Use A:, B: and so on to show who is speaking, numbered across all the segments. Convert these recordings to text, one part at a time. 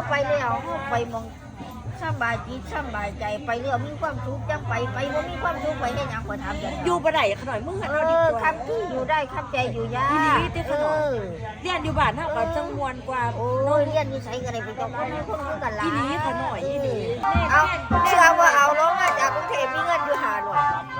A: ไปแล้วไปมองสบายจิตสบายใจไปเรื่องมีความสุขจังไปบ่มีความสุขไปให้หยังก็ทำอย่าง
B: อยู่บ่ได้ขน่อยมึงหันเอาดีกว่า
A: คำที่อยู่ได้คำใจอยู่ยา
B: อีหลีติขน่อยเรียนอยู่บ้านเฮาก็จังมวนกว่า
A: โอ้ยเรียนนิสัยกันเลยไปกับคนนี้คนรู้กันหลาย
B: อีหลีขน่อยอีหลี
A: เอาเชื่อว่าเอาลงมาจากกรุงเทพมีเงินอยู่หาหน่วย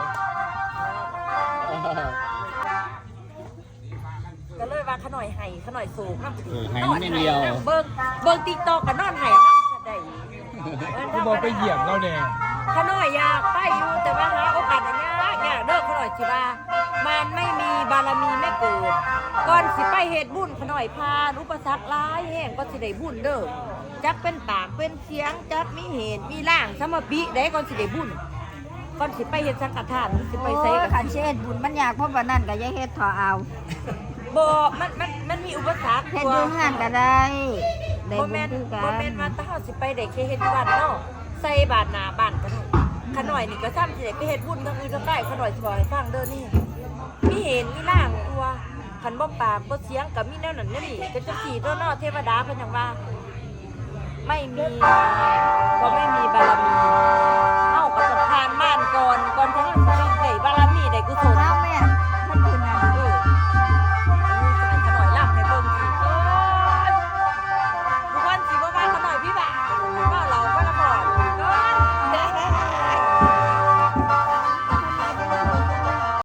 B: ก็เลยว่าขน่อยให้ขน่อยสูงนำ
C: ให้ไม่เดียว
B: เบิ่ง TikTok ก็นอนให้นำได้
D: กูบอกไปเหยียบเราแดง
B: ขน่อยอยากไปอยู่แต่ว่าหาโอกาสอันยากยากเด้อขน่อยสิว่ามันไม่มีบารมีไม่เกิดก่อนสิไปเฮ็ดบุญขน่อยพานอุปสรรคหลายแห่งก็สิได้บุญเด้อจักเป็นปากเป็นเสียงจักมีเหตุมีร่างสมปิได้ก่อนสิได้บุญก่อนสิไปเฮ็ดสังฆทานสิไปใส่
A: โอ้ยขันเช็ดบุญมันยากเพราะว่านั่นก็อยังเฮ็ดถอเอา
B: บ่มันมีอุปสรรค
A: เฮ็ดอยู่งานก็ได้ได้
B: บ่
A: บุ
B: แม่
A: ญ
B: น
A: คือกั
B: บ่
A: น
B: แม่นว่าถ้าเฮาสิไปได้แค่เฮ็ดอยู่บ้านเนาะใส่บาตรหน้าบ้านก็ได้ขน่อยนี่ก็ซ้ำสิได้ไปเฮ็ดบุญทางอื่นทางใกล้ขน่อยสิบอกให้ฟังเด้อนี่มีเห็นมีร่างตัวคันบ่ปากบ่เสียงก็มีแนวนั้นแนวนี้ก็จังซี่ตัวเนาะเทวดาเพิ่นหยังว่าไม่มีบ่ไม่มีบารมี